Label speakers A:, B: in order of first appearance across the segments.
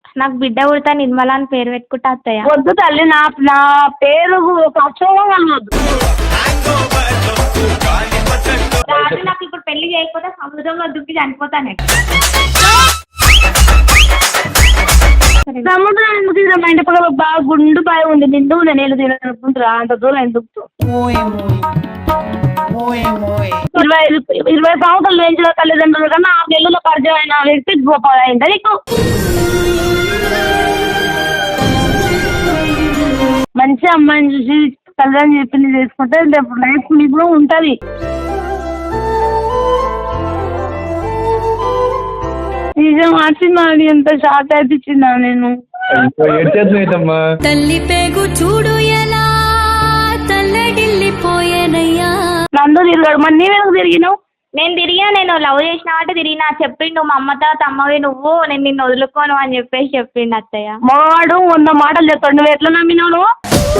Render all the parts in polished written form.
A: నాకు బిడ్డ పుడతా నిర్మల అని పేరు పెట్టుకుంటా అత్తయ్య.
B: వద్దు తల్లి, నా నా పేరు ఒక అక్షరం కలవద్దు.
A: రాజు నాకు ఇప్పుడు పెళ్లి చేయకపోతే సముద్రంలో దుక్కి చనిపోతానే.
B: సముద్రం ఎందుకు తిన, మా ఇంటి పక్కన బాగా గుండు బాగా ఉంది, నిండు నేను తినకుంటురా అంత దూరం ఎందుకు. 20 సంవత్సరాలు వేయించిన తల్లిదండ్రులు కన్నా 6 నెలల పరిచయం అయిన వ్యక్తి గొప్పగా అయిందా నీకు? మంచి అమ్మాయిని చూసి తల్లిదండ్రులు చెప్పింది చేసుకుంటే రేపు లైఫ్ మీకు కూడా ఉంటుంది. నిజం మార్చింది, ఎంత షాక్ అయిపించిందా నేను.
C: తల్లి పేగు చూడు ఎలా తల్లడిల్లిపోయేనయ్యా.
B: నందు తిరిగాడు, మరి నీవెందుకు తిరిగినావు?
A: నేను లవ్ చేసిన అంటే తిరిగినా. చెప్పిండు మా అమ్మ తర్వాత అమ్మవి నువ్వు, నేను నిన్ను వదులుకోను అని చెప్పేసి చెప్పిండు అత్తయ్య.
B: మగవాడు 100 మాటలు చెప్తాడు, నువ్వు ఎట్లా నమ్మినావు? నువ్వు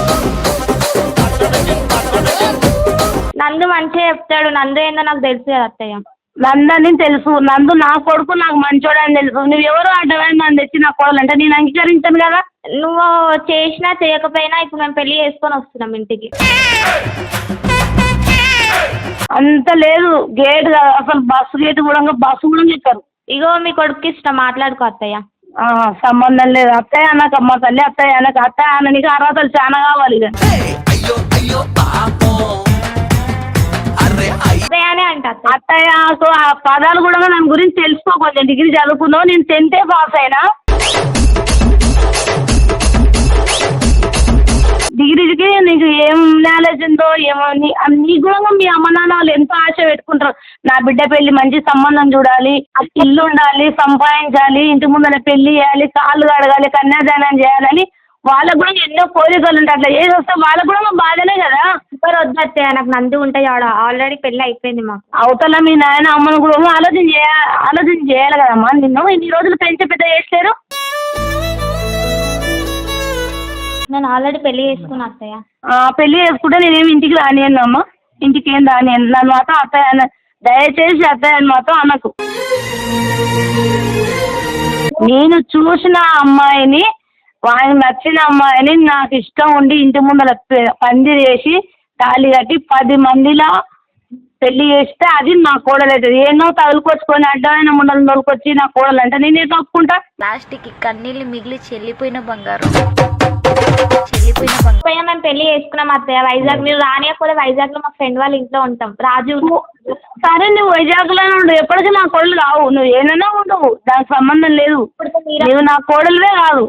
A: నందు మంచిగా చెప్తాడు. నందు ఏందో నాకు తెలుసు కదా అత్తయ్య.
B: నందని తెలుసు, నందు నా కొడుకు, నాకు మంచోడు అని తెలుసు. నువ్వు ఎవరు అడ్డమైన నన్ను తెచ్చి నా కోడలు అంటే నేను అంగీకరించాను కదా.
A: నువ్వు చేసినా చేయకపోయినా ఇప్పుడు మేము పెళ్లి చేసుకొని వస్తున్నాం ఇంటికి.
B: అంత లేదు, గేట్ అసలు బస్సు గేట్ కూడా ఎక్కారు.
A: ఇగో మీ కొడుకు ఇష్టం, మాట్లాడుకో అత్తయ్య.
B: సంబంధం లేదు. అత్తయ్య అన్నకు అమ్మ తల్లి, అత్తయ్య అన్నకు అత్తయ్య అన్న, నీకు అర్హతలు చాలా కావాలి. ఇక
A: అత్తయ్యనే అంట.
B: అత్తయ్యకు ఆ పదాలు కూడా దాని గురించి తెలుసుకో. కొంచెం డిగ్రీ చదువుకున్నావు, నేను 10th పాస్ అయినా. డిగ్రీకి నీకు ఏం నాలెడ్జ్ ఉందో ఏమో, నీ కూడా మీ అమ్మ నాన్న వాళ్ళు ఎంతో ఆశ పెట్టుకుంటారు. నా బిడ్డ పెళ్లి మంచి సంబంధం చూడాలి, ఇల్లు ఉండాలి, సంపాదించాలి, ఇంటి ముందర పెళ్లి చేయాలి, కాళ్ళు కడగాలి, కన్యాదానం చేయాలని వాళ్ళకు కూడా ఎన్నో కోరికలు ఉంటాయి. అట్లా చేసి వస్తే వాళ్ళకు కూడా మా బాధనే కదా.
A: ఎవరు వద్దతే నాకు నంది ఉంటాయి ఆడ, ఆల్రెడీ పెళ్లి అయిపోయింది మాకు.
B: అవతల మీ నాయన అమ్మను కూడా ఆలోచన చేయాలి కదమ్మా. నిన్ను ఇన్ని రోజులు పెంచి పెద్ద చేస్తారు.
A: నేను ఆల్రెడీ పెళ్లి చేసుకున్నా అత్తయ్య.
B: పెళ్లి చేసుకుంటే నేనేమి ఇంటికి రానియను అమ్మ, ఇంటికి ఏం రానియను. నన్ను మాత్రం అత్తయ్య అన్న, దయచేసి అత్తయ్య అని మాత్రం అనకు. నేను చూసిన అమ్మాయిని, వాళ్ళకి నచ్చిన అమ్మాయిని, నాకు ఇష్టం ఉండి ఇంటి ముందర పందిరి వేసి తాళి కట్టి 10 మందిలా పెళ్లి చేస్తే అది నా కోడలు అవుతుంది. ఏమో తగులుకొచ్చుకొని అడ్డమైన ముండలు తోలుకొచ్చి నా కోడలు అంటే నేనే తప్పుకుంటా.
C: లాస్ట్కి కన్నీళ్ళు మిగిలి చెల్లిపోయిన బంగారం.
A: మేము పెళ్లి చేసుకున్నాం అత్తయ్య వైజాగ్. మీరు రానియకపోతే వైజాగ్ లో మా ఫ్రెండ్ వాళ్ళ ఇంట్లో ఉంటాం. రాజు
B: సరే, నువ్వు వైజాగ్ లోనే ఉండు, ఎప్పటికీ నా కోడలు రావు. నువ్వు ఏమైనా ఉండవు, దానికి సంబంధం లేదు. నువ్వు నా కోడలువే కాదు.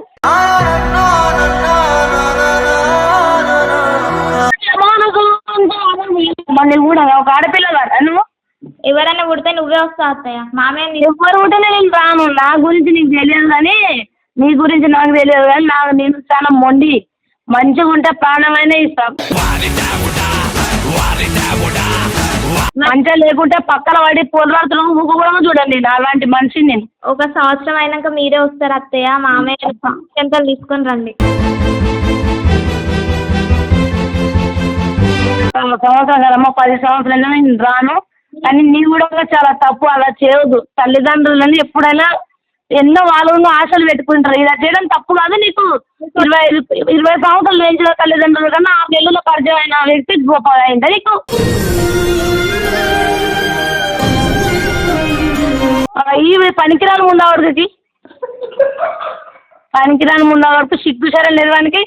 B: మళ్ళీ కూడా ఒక ఆడపిల్ల కాదా నువ్వు?
A: ఎవరైనా పుడితే నువ్వే వస్తావు అత్తయ్య. మామయ్య
B: ఎవరు పుట్టినా నేను రాను. నా గురించి నీకు తెలియదు కానీ, నీ గురించి నాకు తెలియదు కానీ, నేను చాలా మొండి. మంచిగా ఉంటే ప్రాణమైనా ఇస్తాం. మంచిగా లేకుంటే పక్కన పడి పొలరాత్రులు ముగ్గు కూడా చూడండి. అలాంటి మనిషిని నేను.
A: 1 సంవత్సరం అయినాక మీరే వస్తారు అత్తయ్య. మామయ్య ఎంతలు తీసుకొని రండి.
B: సంవత్సరం కదమ్మా, 10 సంవత్సరాలైనా నేను రాను. కానీ నీ కూడా చాలా తప్పు, అలా చేయదు. తల్లిదండ్రులని ఎప్పుడైనా ఎన్నో వాళ్ళు ఆశలు పెట్టుకుంటారు. ఇలా చేయడం తప్పు కాదు. నీకు 20 సంవత్సరాలు వేయించిన తల్లిదండ్రులు కన్నా 6 నెలల పరిచయం అయిన వ్యక్తి గొప్పగా అయిందా నీకు? ఈ పనికిరాని ముందావాడికి, పనికిరాని ముందావాడికి సిగ్గు సరే లేదు వానికి.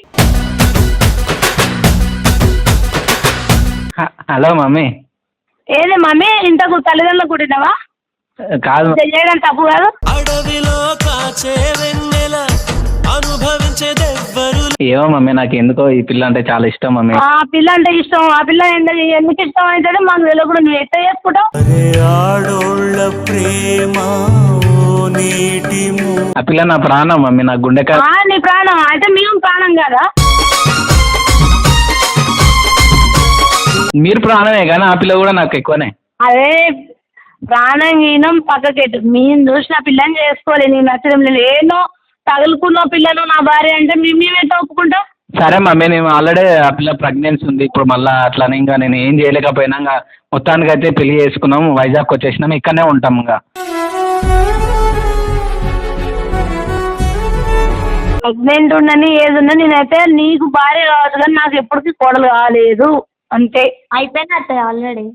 D: Hello mummy.
B: ఏదే మమ్మీ, ఇంతకు తల్లిదండ్రులు కుట్టినావా?
D: కాదు,
B: చేయడం తప్పు కాదు.
D: ఏమో మమ్మీ, నాకు ఎందుకో ఈ పిల్ల అంటే చాలా ఇష్టం మమ్మీ.
B: ఆ పిల్ల అంటే ఇష్టం. ఆ పిల్ల ఎందుకు ఇష్టం అవుతాడో మాకు తెలియకుండా నువ్వు ఎట్లా చేసుకుంటావు?
D: ఆ పిల్ల నా ప్రాణం మమ్మీ, నా గుండెకాయ.
B: నీ ప్రాణం అయితే మేము ప్రాణం కదా?
D: మీరు ప్రాణమే కానీ ఆ పిల్ల కూడా నాకు ఎక్కువనే.
B: అదే ప్రాణం గీనం పక్కకెట్టు. మేము చూసిన పిల్లని చేసుకోవాలి. నీకు నచ్చడం లేదు. ఏదో తగులుకున్న పిల్లను నా భార్య అంటే మేమేటో ఒప్పుకుంటాం.
D: సరే మమ్మీ, నేను ఆల్రెడీ ఆ పిల్ల ప్రెగ్నెన్సీ ఉంది. ఇప్పుడు మళ్ళీ అట్లనే ఇంకా నేను ఏం చేయలేకపోయినా ఇంకా మొత్తానికి అయితే పెళ్లి చేసుకున్నాం, వైజాగ్ వచ్చేసినాం, ఇక్కడనే ఉంటాం. ఇంకా
B: ప్రెగ్నెంట్ ఉండని ఏది ఉన్నా నేనైతే నీకు భార్య కావచ్చు కానీ నాకు ఎప్పటికీ కోడలు కాలేదు అంతే.
A: అయిపోయింది అత్తయ్య ఆల్రెడీ.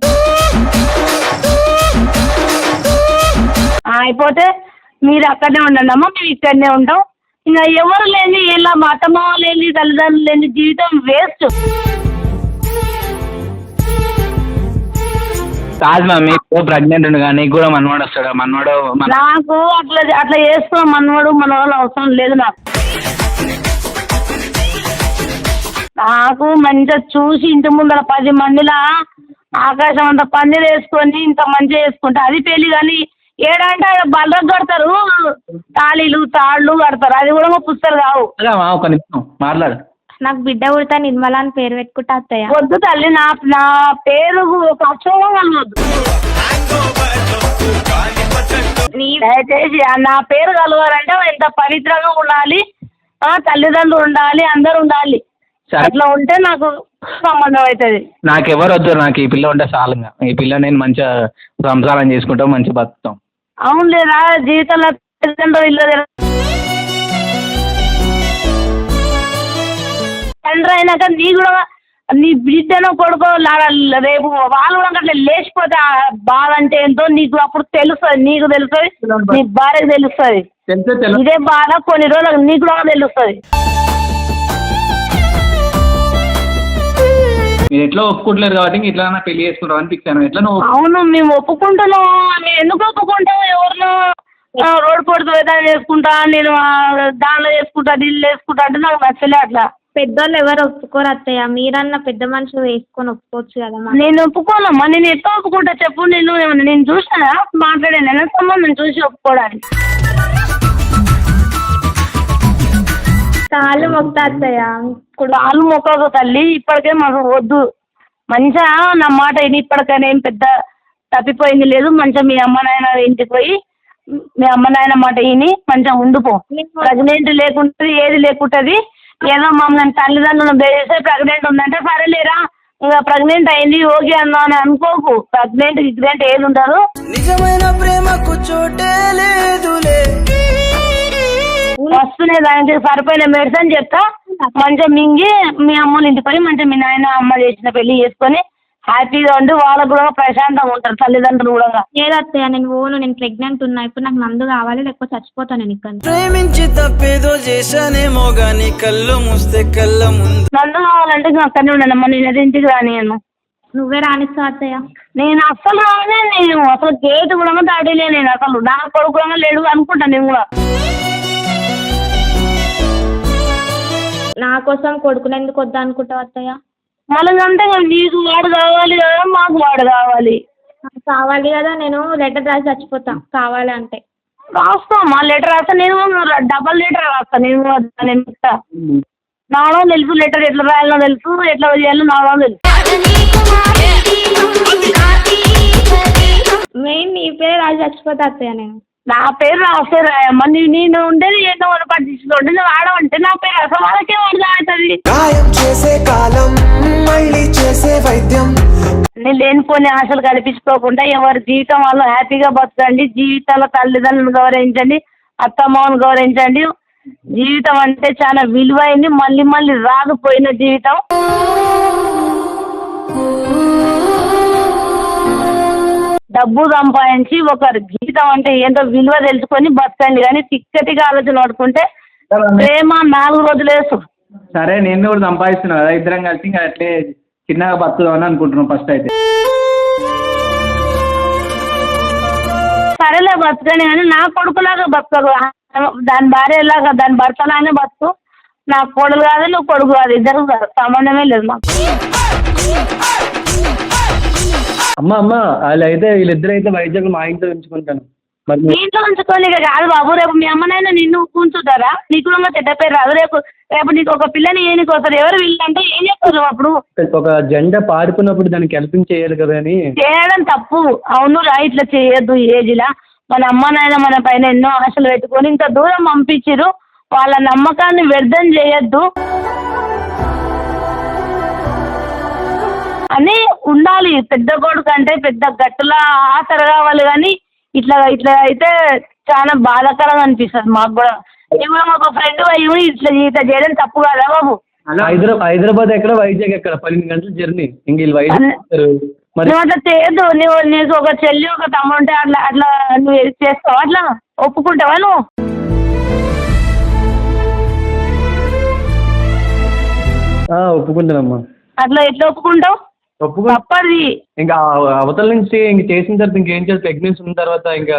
B: అయిపోతే మీరు అక్కడనే ఉండండి అమ్మ, మేము ఇక్కడనే ఉంటాం. ఇంకా ఎవరు లేని ఇలా మా అత్తమ్మ లేని తల్లిదండ్రులు లేని జీవితం వేస్ట్.
D: కాదు మమ్మీ, ప్రెగ్నెంట్ ఉంది కానీ నీకు కూడా మనవాడు వస్తాడు. మనవాడు
B: నాకు అట్లా చేసుకో మనవాడు మనవాళ్ళు అవసరం లేదు నాకు మంచిగా చూసి ఇంటి ముందర 10 మందిలా ఆకాశం అంత పందిరి వేసుకొని ఇంత మంచిగా వేసుకుంటా అది పెళ్ళి. కానీ ఏడంటే బల్లకు కడతారు, తాళ్ళు కడతారు, అది కూడా పుస్తలు కావు.
D: ఒక నిమిషం మాట్లాడు.
A: నాకు బిడ్డ పుడతా నిర్మల అని పేరు పెట్టుకుంటా అత్తయ్య.
B: వద్దు తల్లి, నా పేరు ఒక అక్షరం కలవద్దు దయచేసి. నా పేరు కలవాలంటే ఎంత పవిత్రంగా ఉండాలి, తల్లిదండ్రులు ఉండాలి, అందరు ఉండాలి. అట్లా ఉంటే నాకు సంబంధం అవుతుంది.
D: నాకెవరు వద్దు, నాకు ఈ పిల్ల ఉంటే చాలుగా. ఈ పిల్ల నేను మంచిగా సంసారం చేసుకుంటాం, మంచిగా బతుకుతాం.
B: అవును లేదా జీవితంలో తల్లిదండ్రులు ఇల్లు తండ్రి అయినాక నీ కూడా నీ బిడ్డను కొడుకో రేపు వాళ్ళు కూడా అట్లా లేచిపోతే బాధ అంటే ఏంటో నీకు అప్పుడు తెలుస్తుంది. నీకు తెలుస్తుంది, నీ భార్యకు తెలుస్తుంది. ఇదే బాధ కొన్ని రోజులకు నీకు కూడా తెలుస్తుంది.
D: మీరు ఎట్లా ఒప్పుకుంటలేరు కాబట్టి ఇట్లా పెళ్లి చేసుకుంటాం అనిపించాను. ఎట్లా నువ్వు?
B: అవును మేము ఒప్పుకుంటున్నాం. మేము ఎందుకు ఒప్పుకుంటాం? ఎవరినో రోడ్డు పొడుతు ఏదైనా చేసుకుంటా, నేను దానిలో చేసుకుంటా, నీళ్ళు వేసుకుంటా అంటే నాకు నచ్చలే. అట్లా
A: పెద్దోళ్ళు ఎవరు ఒప్పుకోరు అత్తయ్య. మీరన్నా పెద్ద మనుషులు వేసుకొని ఒప్పుకోవచ్చు కదా.
B: నేను ఒప్పుకోనమ్మా. నేను ఎట్లా ఒప్పుకుంటా చెప్పు? నేను చూసానా మాట్లాడాను? నేను సంబంధం చూసి ఒప్పుకోవడానికి
A: కాళ్ళు మొక్తా అత్తయ్య.
B: కాళ్ళు మొక్కదు తల్లి, ఇప్పటికే మాకు వద్దు. మంచిగా నా మాట విని ఇప్పటికైనా ఏం పెద్ద తప్పిపోయింది లేదు. మంచిగా మీ అమ్మ నాయన ఇంటికి పోయి మీ అమ్మ నాయన మాట విని మంచిగా ఉండిపో. ప్రెగ్నెంట్ లేకుంటుంది, ఏది లేకుంటుంది. ఏదో మమ్మల్ని తల్లిదండ్రులను బేస్తే ప్రెగ్నెంట్ ఉందంటే సరేలేరా ఇంకా ప్రెగ్నెంట్ అయింది ఓకే అన్నా అని అనుకోకు. ప్రెగ్నెంట్ ఏది ఉండదు.
E: నిజమైన ప్రేమకు చోటే లేదులే.
B: వస్తునే దానికి సరిపోయిన మెడిసిన్ చెప్తా. మంచిగా మింగి మీ అమ్మని ఇంటికి పోయి మంచిగా మీ నాయన అమ్మ చేసిన పెళ్లి చేసుకొని హ్యాపీగా ఉండి వాళ్ళకు కూడా ప్రశాంతంగా ఉంటారు తల్లిదండ్రులు కూడా.
A: లేదత్తయ్య నేను ప్రెగ్నెంట్ ఉన్నా. ఇప్పుడు నాకు నందు కావాలి, లేకపోతే చచ్చిపోతాను నేను ఇక్కడ.
E: ప్రేమించి తప్పేదో చేశానేమో గాని కళ్ళు మూస్తే కళ్ళ ముందు.
B: నందు కావాలంటే ఇంకా అక్కడనే ఉన్నానమ్మా. నేను ఇంటికి రానియను.
A: నువ్వే రానిస్తావు అత్తయ్య.
B: నేను అస్సలు రానే. నేను అసలు గేట్ కూడా దాటిలే. నేను అసలు నా కొడుకు కూడా లేడు అనుకుంటాను. నేను కూడా
A: నా కోసం కొడుకుని ఎందుకు వద్దా అనుకుంటావు అత్తయ్య?
B: మళ్ళీ అంటే నీకు వాడు కావాలి కదా, మాకు వాడు కావాలి.
A: కావాలి కదా, నేను లెటర్ రాసి చచ్చిపోతా కావాలి అంటే.
B: రాస్తామా లెటర్ రాస్తా. నేను డబల్ లెటర్ రాస్తా. నేను నాలో తెలుసు లెటర్ ఎట్లా రాయాలో తెలుసు, ఎట్లా చేయాలో నాలో తెలుసు.
A: మెయిన్ నీ పేరు రాసి చచ్చిపోతా అత్తయ్య. నేను
B: నా పేరు రాస్తే రాయమ్మా. నేను ఉండేది ఏదో పట్టించుకోండి. నువ్వు ఆడమంటే నా పేరు అసలు వాళ్ళకే వాడు అవుతుంది.
E: గాయం చేసే కాలం మళ్ళీ చేసే వైద్యం.
B: నేను లేనిపోని ఆశలు కల్పించుకోకుండా ఎవరి జీవితం వాళ్ళు హ్యాపీగా బతకండి. జీవితాల తల్లిదండ్రులను గౌరవించండి, అత్తమ్మను గౌరవించండి. జీవితం అంటే చాలా విలువైంది. మళ్ళీ మళ్ళీ రాకపోయిన జీవితం. డబ్బు సంపాదించి ఒకరి జీవితం అంటే ఏంటో విలువ తెలుసుకొని బతకండి. కానీ తిక్కటిగా ఆలోచన పడుకుంటే ప్రేమ 4 రోజులు వేసు.
D: సరే నేను కూడా సంపాదిస్తున్నా కదా, ఇద్దరం కలిసి ఇంకా అట్లే చిన్నగా బతుకుదామని అనుకుంటున్నాం ఫస్ట్ అయితే.
B: సరేలే బతకని కానీ నా కొడుకులాగా బతకదు. దాని భార్యలాగా దాని భర్తలానే బతుకు. నా కొడుకు కాదు, నువ్వు కొడుకు కాదు, ఇద్దరు కాదు, సంబంధమే లేదు మాకు.
D: అమ్మ వాళ్ళు అయితే వీళ్ళిద్దరు అయితే వైద్యులు మా ఇంట్లో ఉంచుకుంటాను.
B: మీ ఇంట్లో ఉంచుకొని కాదు బాబు. రేపు మీ అమ్మనైనా నిన్ను కూర్చుంటారా? నీకు కూడా చెడ్డ పేరు రాదు. రేపు నీకు ఒక పిల్లని ఏనికి వస్తారు. ఎవరు వీళ్ళంటే ఏం చెప్తారు? అప్పుడు
D: ఒక జెండా పాడుకున్నప్పుడు దానికి హెల్పింగ్ చేయాలి కదా అని.
B: చేయడం తప్పు. అవును రా, ఇట్లా చేయొద్దు. ఏజ్లా మన అమ్మ నాయన మన పైన ఎన్నో ఆశలు పెట్టుకొని ఇంత దూరం పంపించిరు. వాళ్ళ నమ్మకాన్ని వ్యర్థం చేయొద్దు అని ఉండాలి. పెద్ద కొడుకు అంటే పెద్ద గట్టులా ఆసర కావాలి. కానీ ఇట్లా అయితే చాలా బాధాకరంగా అనిపిస్తుంది మాకు కూడా. ఇప్పుడు ఒక ఫ్రెండ్ అయ్యి ఇట్లా చేయడం తప్పు కదా బాబు.
D: హైదరాబాద్ ఎక్కడ, వైజాగ్ ఎక్కడ, 12 గంటల జర్నీ. ఇంక వీళ్ళు వైజాగ్ మరి
B: నువ్వు అట్లా చేయొద్దు. నీకు ఒక చెల్లి ఒక తమ్ముడు ఉంటే అట్లా నువ్వు చేస్తావా? అట్లా ఒప్పుకుంటావా నువ్వు?
D: ఒప్పుకుంటానమ్మా.
B: అట్లా ఎట్లా ఒప్పుకుంటావు? తప్పది.
D: ఇంకా అవతల నుంచి ఇంక చేసిన తర్వాత ఇంకేం చేయాలి? ప్రెగ్నెన్సీ ఉన్న తర్వాత ఇంకా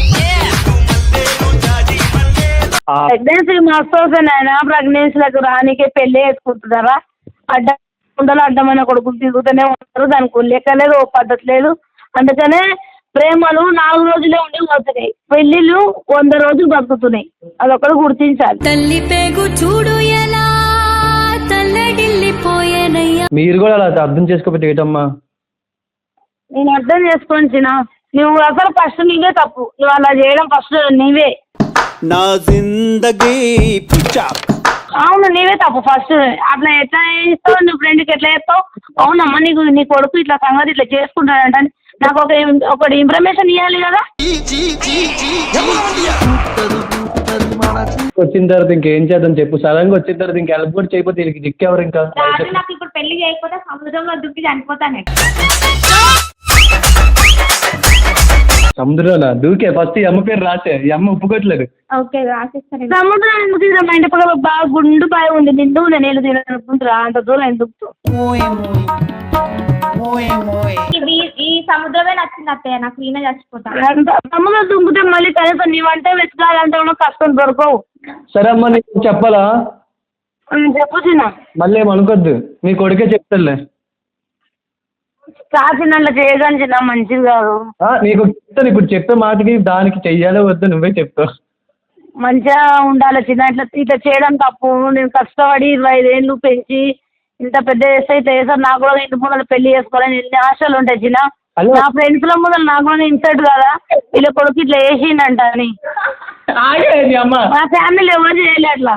B: ప్రెగ్నెన్సీ మస్తు వస్తాయి ఆయన. ప్రెగ్నెన్సీలకు రానికే పెళ్ళి వేసుకుంటున్నారా? ఉండలు అడ్డమైన కొడుకులు తిరుగుతూనే ఉంటారు. దానికి లెక్క లేదు, ఓ పద్ధతి లేదు. అందుకనే ప్రేమలు 4 రోజులే ఉండి పోతున్నాయి, పెళ్ళిళ్ళు 100 రోజులు బతుకుతున్నాయి. అదొకటి గుర్తించాలి.
C: తల్లి పేగు చూడు ఎలా తల్లడిల్లిపోయేనయ్యా.
D: మీరు కూడా అలా అర్థం చేసుకోకపోతే ఏంటమ్మా?
B: నేను అర్థం చేసుకొని చిన్న, నువ్వు అసలు ఫస్ట్ నీవే తప్పు. నువ్వు అలా చేయడం ఫస్ట్ నీవే.
E: నా జిందగీ
B: అవును, నీవే తప్పు ఫస్ట్. అట్లా ఎట్లా చేస్తావు? నీ ఫ్రెండ్కి ఎట్లా చెప్తావు? అవునమ్మా నీ కొడుకు ఇట్లా సంగతి ఇట్లా చేసుకుంటాడంట నాకు ఒకటి ఇన్ఫర్మేషన్ ఇవ్వాలి కదా.
D: వచ్చిన తర్వాత ఇంకేం చేద్దాం చెప్పు? సడన్గా వచ్చిన తర్వాత ఇంకా హెల్ప్ కూడా చేయకపోతే వీళ్ళకి దిక్కెవరు? ఇంకా
A: నాకు ఇప్పుడు పెళ్లి చేయకపోతే సముద్రంలో దుక్కి చనిపోతాను.
D: సముద్రంలో దూకే ఫస్ట్ ఈ అమ్మ పేరు రాసే. ఈ అమ్మ ఒప్పుకోవట్లేదు.
A: ఓకే రాసిస్తాను.
B: సముద్రం ఎందుకు తిన? మా ఇంటి పక్కన బాగా గుండు బాగా ఉంది, నిండు నేను తిననుకుంటురా అంత దూరం ఎందుకు?
A: ఈ సముద్రమే నచ్చింది అత్తయ్య నాకు. ఈయన చచ్చిపోతాను.
B: సముద్రం దుంకుతే మళ్ళీ కనీసం నీవంటే వెతకాలంటే కష్టం దొరకవు.
D: సరే అమ్మా, నీకు చెప్పాలా?
B: చెప్పు చిన్న.
D: మళ్ళీ ఏమనుకోద్దు, మీ కొడుకే చెప్తానులే.
B: కాచినట్లా చేయగానే చిన్న మంచిది కాదు.
D: నీకు చెప్తాను, ఇప్పుడు చెప్పే మాటకి దానికి చెయ్యాలో వద్దు నువ్వే చెప్తావు.
B: మంచిగా ఉండాలి చిన్న. ఇట్లా చేయడం తప్పు. నేను కష్టపడి 25 ఏళ్ళు పెంచి ఇంత పెద్ద చేస్తే ఇట్లా చేస్తారు. నాకు కూడా ఇంటి ముందర పెళ్లి చేసుకోవాలని ఎన్ని ఆశలు ఉంటాయి చిన్న. నా ఫ్రెండ్స్ లో ముందర నాకు కూడా ఇన్సల్ట్ కదా వీళ్ళ కొడుకు ఇట్లా వేసిండంట అని. మా ఫ్యామిలీ ఎవరు చేయలే అట్లా.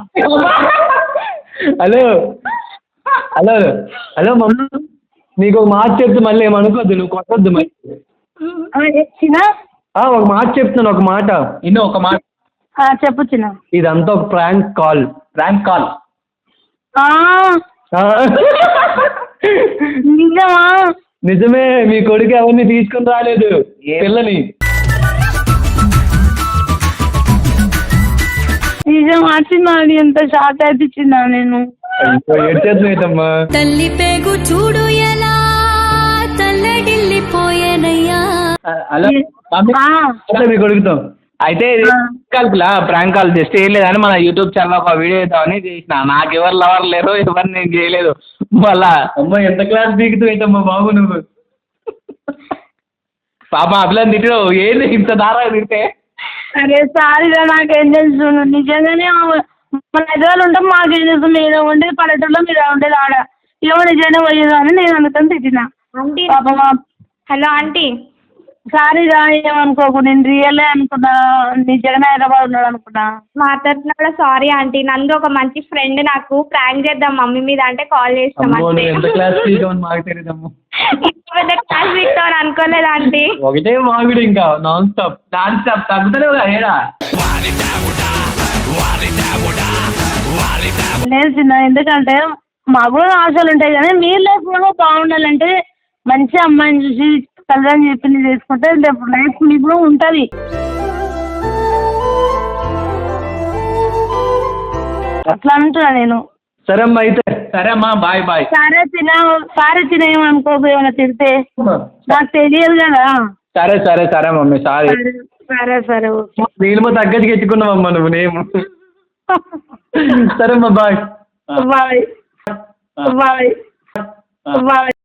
D: హలో హలో హలో మమ్మీ, నీకు ఒక మాట చెప్తే మళ్ళీ ఏమనుకోద్దు, నువ్వు కొట్టద్దు మరి.
B: చిన్న
D: ఒక మాట చెప్తున్నాను, ఒక మాట ఇನ್ನು. ఒక మాట
B: చెప్పు చిన్న.
D: ఇదంతా ఒక ప్రాంక్ కాల్. Prank call.
B: నిజమా?
D: నిజమే. మీ కొడుకు ఎవరిని తీసుకుని రాలేదు, పిల్లని.
B: నిజం వచ్చిందా? ఎంత షాక్ అయిపించిందా నేను.
D: ఏడ్చేద్దమ్మా.
C: తల్లి పేగు చూడు ఎలా తల్లడిల్లిపోయేనయ్యా.
D: మీ కొడుకుతాం అయితే ప్రాంక్ కాల్ జస్ట్ ఏం లేదని మన యూట్యూబ్ ఛానల్ ఒక వీడియో చేద్దామని చేసిన. నాకు ఎవరు లవర్ లేరు, ఎవరు నేను చేయలేదు. మళ్ళా అమ్మ ఎంత క్లాస్ దిగుతావుమ్మా బాబు నువ్వు. పాప అభిలాన్ తిట్టు ఏంది ఇంత దారా తింటే.
B: అరే సారీరా, నాకేం తెలుసు. నిజంగానే మన హైదరాబాద్ ఉంటాం, మాకేం తెలుసు. మీరు ఉండేది పల్లెటూరులో, మీరు ఉండేది ఆడ. ఏమో నిజంగా పోయేదా అని నేను అందుకని తిట్టినా. పాప
A: హలో ఆంటీ.
B: సారీరా, ఏమనుకోకు. నేను రియలే అనుకున్నా, నిజంగానే హైదరాబాద్ ఉన్నాడు అనుకున్నా.
A: మాట్లాడుతున్నా కూడా సారీ ఆంటీ. నందు ఒక మంచి ఫ్రెండ్, నాకు ప్రాంక్ చేద్దాం మమ్మీ మీద అంటే కాల్ చేస్తాం.
D: ఎంత క్లాస్ మాకు తెలియదమ్మా.
A: పెద్ద క్లాస్ పెట్టామని అనుకోలేదు ఆంటీ.
D: ఒకటే మామిడి ఇంకా నాన్ స్టాప్ తగ్గుతలే ఏడా.
B: లేదు చిన్న, ఎందుకంటే మాకు కూడా ఆశలు ఉంటాయి కానీ మీరు లైఫ్ కూడా బాగుండాలంటే మంచి అమ్మాయిని చూసి తల్లిదండ్రులు చెప్పింది చేసుకుంటే లైఫ్ మీకు కూడా ఉంటుంది. అట్లా అంటున్నా నేను.
D: సరే అమ్మా అయితే. సరే అమ్మా, బాయ్ బాయ్.
B: సారీ తినేమనుకోకు, ఏమైనా తిడితే నాకు తెలియదు కదా.
D: సరే సరే సరే మమ్మీ, సారీ.
B: సరే సరే ఓకే.
D: నీళ్ళమో తగ్గట్టుగా ఎత్తుకున్నావమ్మా నువ్వు నేము. సరే అమ్మా, బాయ్
B: బాయ్ బాయ్ బాయ్.